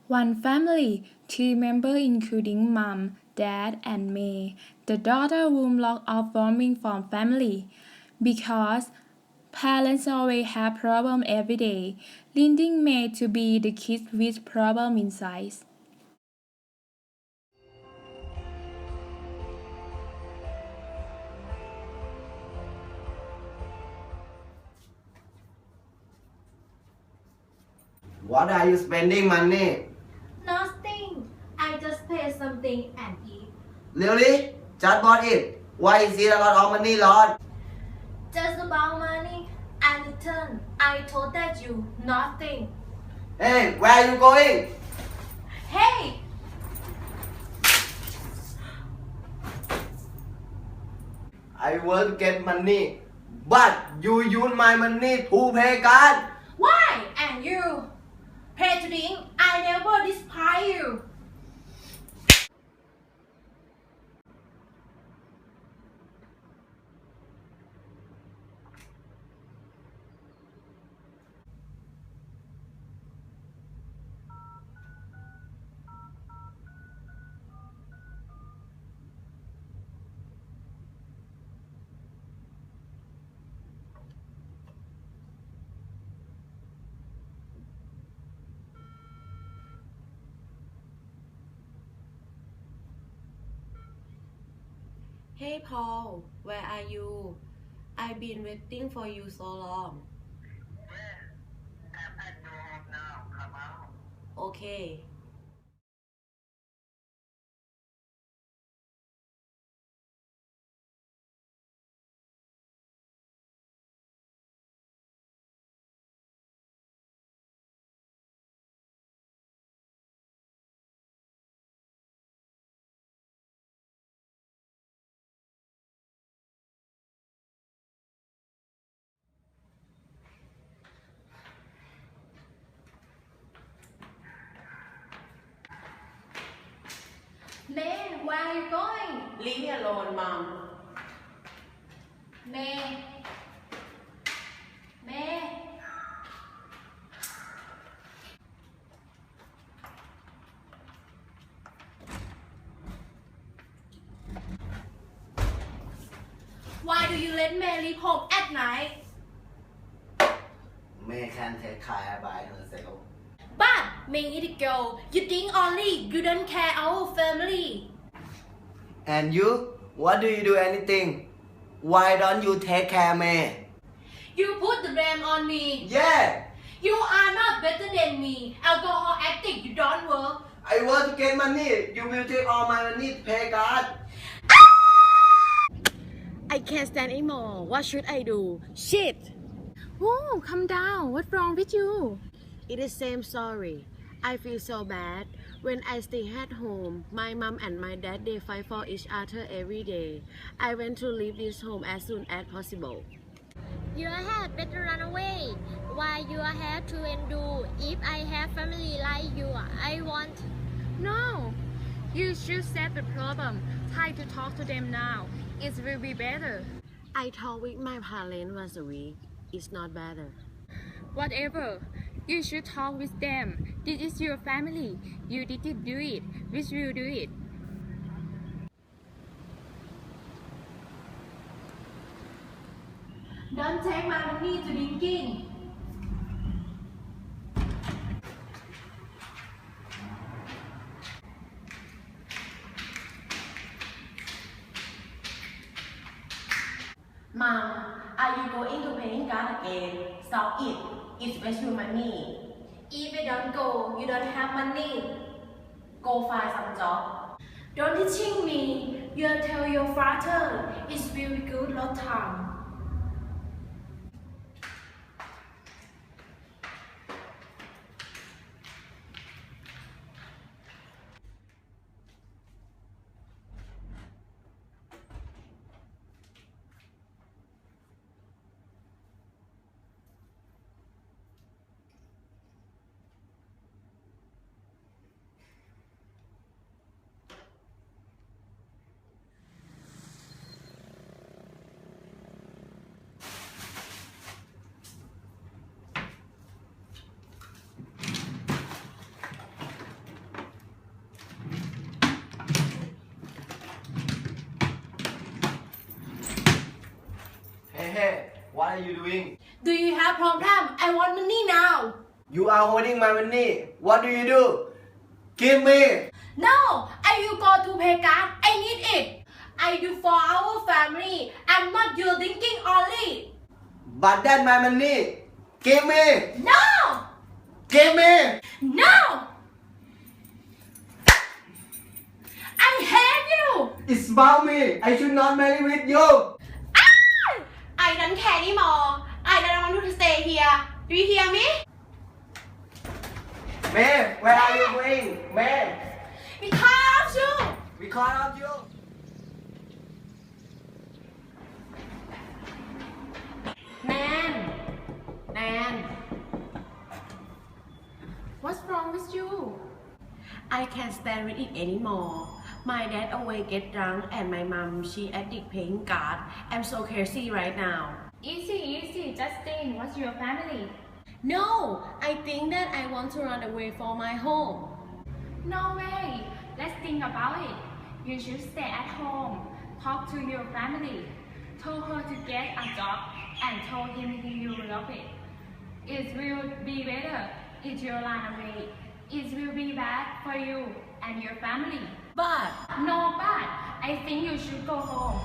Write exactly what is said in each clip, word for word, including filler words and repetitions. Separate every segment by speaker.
Speaker 1: One family, three members including mom, dad, and May. The daughter room locked off roaming from family because parents always have problem every day, leading May to be the kid with problem inside.
Speaker 2: What are you spending money?
Speaker 3: Nothing. I just pay something and eat.
Speaker 2: Really? Just bought it. Why is it a lot of money, Lord?
Speaker 3: Just about money and return. I told that you nothing.
Speaker 2: Hey, where are you going?
Speaker 3: Hey!
Speaker 2: I want to get money, but you use my money to pay card.
Speaker 3: Why? And you? Pay to drink. I never despise you.
Speaker 4: Hey Paul, where are you? I've been waiting for you so long. Okay.
Speaker 3: May, where are you going?
Speaker 4: Leave me alone, Mom.
Speaker 3: May. May. Why do you let May leave home at night?
Speaker 2: May can take care by herself.
Speaker 3: But May is a girl. You think only you don't care our family.
Speaker 2: And you? What do you do anything? Why don't you take care, May?
Speaker 3: You put the blame on me.
Speaker 2: Yeah,
Speaker 3: You are not better than me. Alcohol addict, you don't work.
Speaker 2: I want to get money. You will take all my money to pay card.
Speaker 4: I can't stand anymore. What should I do? Shit!
Speaker 1: Oh, calm down. What's wrong with you?
Speaker 4: It is same story. I feel so bad. When I stay at home, my mom and my dad they fight for each other every day. I want to leave this home as soon as possible.
Speaker 5: You had better run away. Why you have to endure? If I have family like you, I want.
Speaker 1: No. You should set the problem. Try to talk to them now. It will be better.
Speaker 4: I talked with my parents once a week. It's not better.
Speaker 1: Whatever. You should talk with them. This is your family. You didn't do it. We will do it.
Speaker 3: Don't take my money to drinking.
Speaker 4: Mom, are you going to paying card again? Stop it. It's waste your money.
Speaker 3: If you don't go, you don't have money.
Speaker 4: Go find some job.
Speaker 3: Don't teaching me. You tell your father. It's very good lot time.
Speaker 2: Hey, what are you doing?
Speaker 3: Do you have problem? I want money now.
Speaker 2: You are holding my money. What do you do? Give me.
Speaker 3: No, I will go to pay card. I need it. I do for our family. I'm not your thinking only.
Speaker 2: But that's my money. Give me.
Speaker 3: No,
Speaker 2: Give me.
Speaker 3: no. I hate you.
Speaker 2: It's about me. I should not marry with you.
Speaker 3: I don't care anymore. I don't want to stay here. Do you hear me?
Speaker 2: May, where are you going? May,
Speaker 3: Because of you.
Speaker 2: because of you.
Speaker 4: Nan, Nan, what's wrong with you? I can't stand with it anymore. My dad always get drunk and my mom, she addict playing card. I'm so crazy right now.
Speaker 1: Easy, easy, Justin. What's your family?
Speaker 4: No, I think that I want to run away from my home.
Speaker 1: No way. Let's think about it. You should stay at home. Talk to your family. Told her to get a job and told him you love it. It will be better if you run away. It will be bad for you and your family.
Speaker 4: But
Speaker 1: No, but I think you should go home.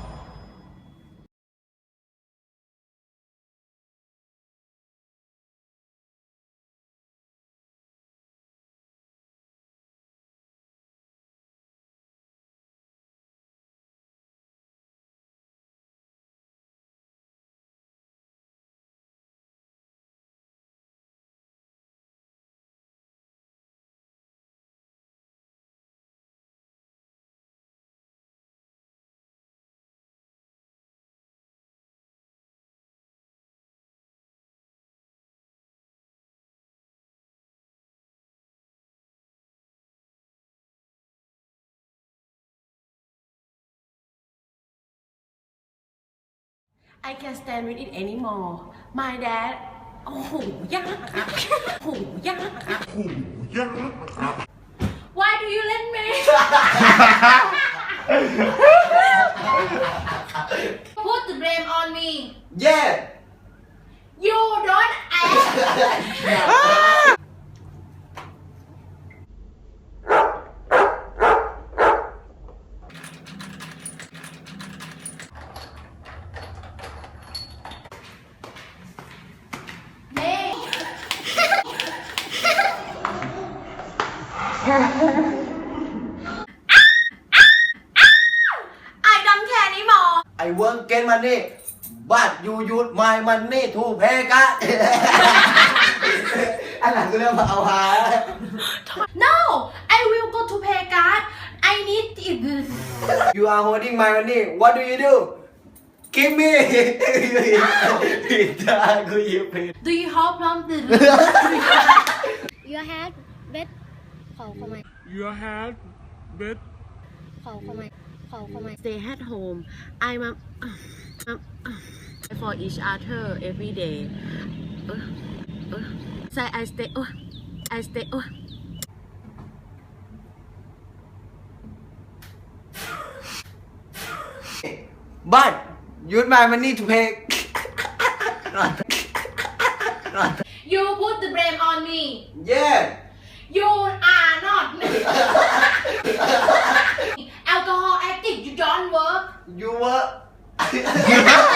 Speaker 4: I can't stand with it anymore. My dad, โอ้โหยากอะโอ้โหยากอะ
Speaker 3: Why do you let me? Put the blame on me.
Speaker 2: Yeah.
Speaker 3: You don't ask. Hey. I don't care anymore.
Speaker 2: I won't get money, but you use my money to pay card. อันหลังก็เริ่มเอาหา
Speaker 3: No, I will go to pay card. I need it.
Speaker 2: You are holding my money. What do you do? Give me. ผิดทางกูหยิบผิด
Speaker 3: Do you have problem?
Speaker 5: Your head bed ขอขอไหม
Speaker 6: Your head bed
Speaker 5: ขอขอไหมขอขอไหม
Speaker 4: Stay at home. I'm a, for each other every day. Uh, uh, so I stay. Uh, I stay. Uh.
Speaker 2: But use my money to pay.
Speaker 3: You put the blame on me.
Speaker 2: Yeah.
Speaker 3: You are not. Alcohol addict, you don't work.
Speaker 2: You were.